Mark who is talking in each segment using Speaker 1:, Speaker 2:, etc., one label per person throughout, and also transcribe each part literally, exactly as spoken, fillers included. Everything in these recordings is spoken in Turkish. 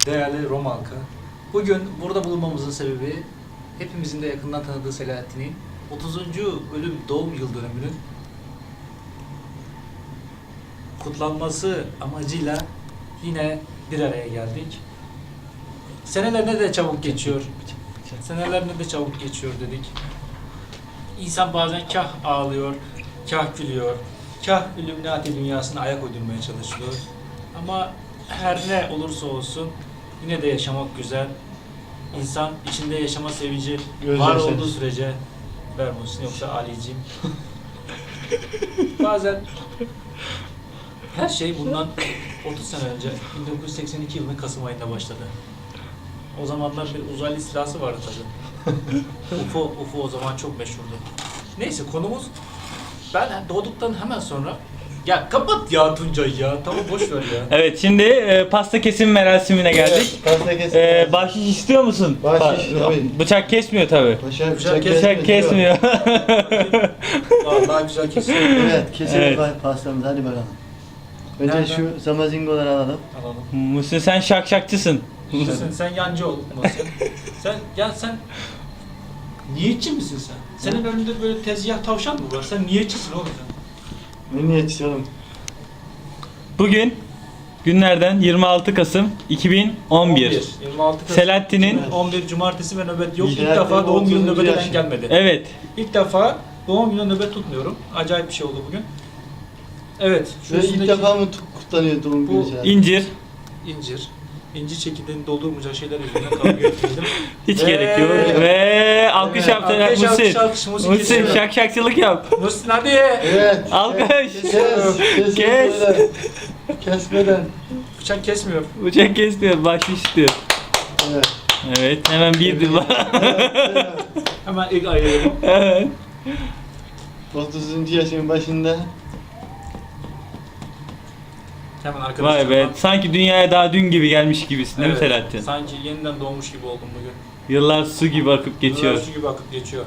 Speaker 1: Değerli Roma halkı, bugün burada bulunmamızın sebebi hepimizin de yakından tanıdığı Selahattin'in otuzuncu ölüm doğum yıl dönümünün kutlanması amacıyla yine bir araya geldik. Seneler ne de çabuk geçiyor. Seneler ne de çabuk geçiyor dedik. İnsan bazen kah ağlıyor, kah gülüyor, kah Illuminati dünyasına ayak uydurmaya çalışıyor. Ama her ne olursa olsun yine de yaşamak güzel. İnsan içinde yaşama sevinci var olduğu sürece ver Muhsin, yoksa Ali'ciğim. Bazen her şey bundan otuz sene önce bin dokuz yüz seksen iki yılının Kasım ayında başladı. O zamanlar bir uzaylı istilası vardı tabii. U F O, U F O o zaman çok meşhurdu. Neyse, konumuz ben doğduktan hemen sonra. Ya kapat ya Tuncay ya. Tamam, boş ver ya.
Speaker 2: Evet, şimdi e, pasta kesim merasimine geldik.
Speaker 3: Pasta kesim.
Speaker 2: E, bahşiş istiyor musun?
Speaker 3: Bahşiş,
Speaker 2: Pa-
Speaker 3: tabii.
Speaker 2: Bıçak kesmiyor tabi.
Speaker 3: Bıçak,
Speaker 1: Bıçak
Speaker 2: Bıçak kesmiyor.
Speaker 1: Daha, daha güzel kesiyor.
Speaker 3: Evet, keselim
Speaker 2: Evet.
Speaker 3: evet. pastamızı, hadi bakalım. Önce
Speaker 1: Nereden?
Speaker 3: şu zamazingoları alalım.
Speaker 1: Alalım.
Speaker 2: Muhsin, sen şakşakçısın.
Speaker 1: Muhsin, sen yancı ol Muhsin. Sen, ya sen niyetçi misin sen? Senin önünde böyle tezgah tavşan mı var? Sen niyetçisin oğlum sen.
Speaker 3: Ne niyetçisi oğlum?
Speaker 2: Bugün günlerden yirmi altı Kasım iki bin on bir.
Speaker 1: yirmi altı Kasım
Speaker 2: Selahattin'in
Speaker 1: on bir Cumartesi ve nöbet yok. İlk
Speaker 3: Selahattin'in
Speaker 1: defa doğum günü
Speaker 3: otuzuncu
Speaker 1: nöbet eden
Speaker 3: yaşı.
Speaker 1: gelmedi.
Speaker 2: evet.
Speaker 1: İlk defa doğum günü nöbet tutmuyorum. Acayip bir şey oldu bugün. Evet. Şu
Speaker 3: Ve ilk
Speaker 1: üstündeki
Speaker 3: defa mı tu- kutlanıyor doğum günü?
Speaker 1: Bu
Speaker 3: Selahattin?
Speaker 2: incir.
Speaker 1: incir. İncir çekirdeğini doldurmayacak şeyler yüzünden kavga etmedim.
Speaker 2: Hiç
Speaker 1: Ve-
Speaker 2: gerek yok. Ve alkış
Speaker 3: Evet.
Speaker 2: yap
Speaker 1: Alkış,
Speaker 2: Muhsin.
Speaker 1: alkış, alkış. Muhsin
Speaker 2: Muhsin
Speaker 1: kesiyor.
Speaker 2: şakşakçılık yap.
Speaker 1: Muhsin hadi.
Speaker 3: Evet.
Speaker 2: Alkış.
Speaker 3: Kes. Kes. Kes.
Speaker 2: Kes.
Speaker 3: Kes. Kesmeden.
Speaker 1: Bıçak kesmiyor.
Speaker 2: Bıçak kesmiyor, bahşiş istiyor.
Speaker 3: Evet.
Speaker 2: Evet, hemen bir dil var.
Speaker 3: Evet.
Speaker 1: Hemen ilk ayırıyorum.
Speaker 2: Evet.
Speaker 3: otuzuncu yaşın başında.
Speaker 1: Hemen arkadaşlar.
Speaker 2: Vay be, sanki dünyaya daha dün gibi gelmiş gibisin değil mi
Speaker 1: Evet,
Speaker 2: Selahattin?
Speaker 1: sanki yeniden doğmuş gibi oldum bugün.
Speaker 2: Yıllar su gibi akıp geçiyor.
Speaker 1: Yıllar su gibi akıp geçiyor.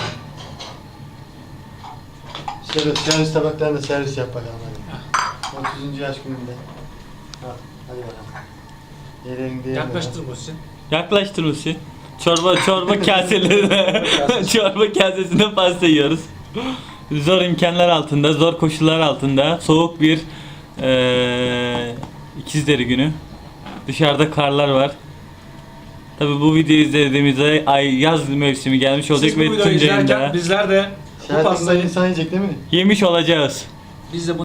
Speaker 3: Şöyle servis tabaklarını servis yap bakalım hadi. otuzuncu yaş gününde. Ha, hadi bakalım. Yerin diye.
Speaker 1: Yaklaştır Muhsin.
Speaker 2: Yaklaştır Muhsin. Çorba çorba kaselerine, çorba kasesinde pasta yiyoruz. Zor imkanlar altında, zor koşullar altında, soğuk bir eee İkizleri günü. Dışarıda karlar var. Tabi bu videoyu izlediğimizde ay yaz mevsimi gelmiş olacak
Speaker 1: Siz bu
Speaker 2: ve
Speaker 1: videoyu
Speaker 2: Tuncay'ın
Speaker 1: izlerken
Speaker 2: da
Speaker 1: bizler de bu
Speaker 3: Selahattin
Speaker 1: pastayı
Speaker 3: insan yiyecek değil mi?
Speaker 2: yemiş olacağız.
Speaker 1: biz de bu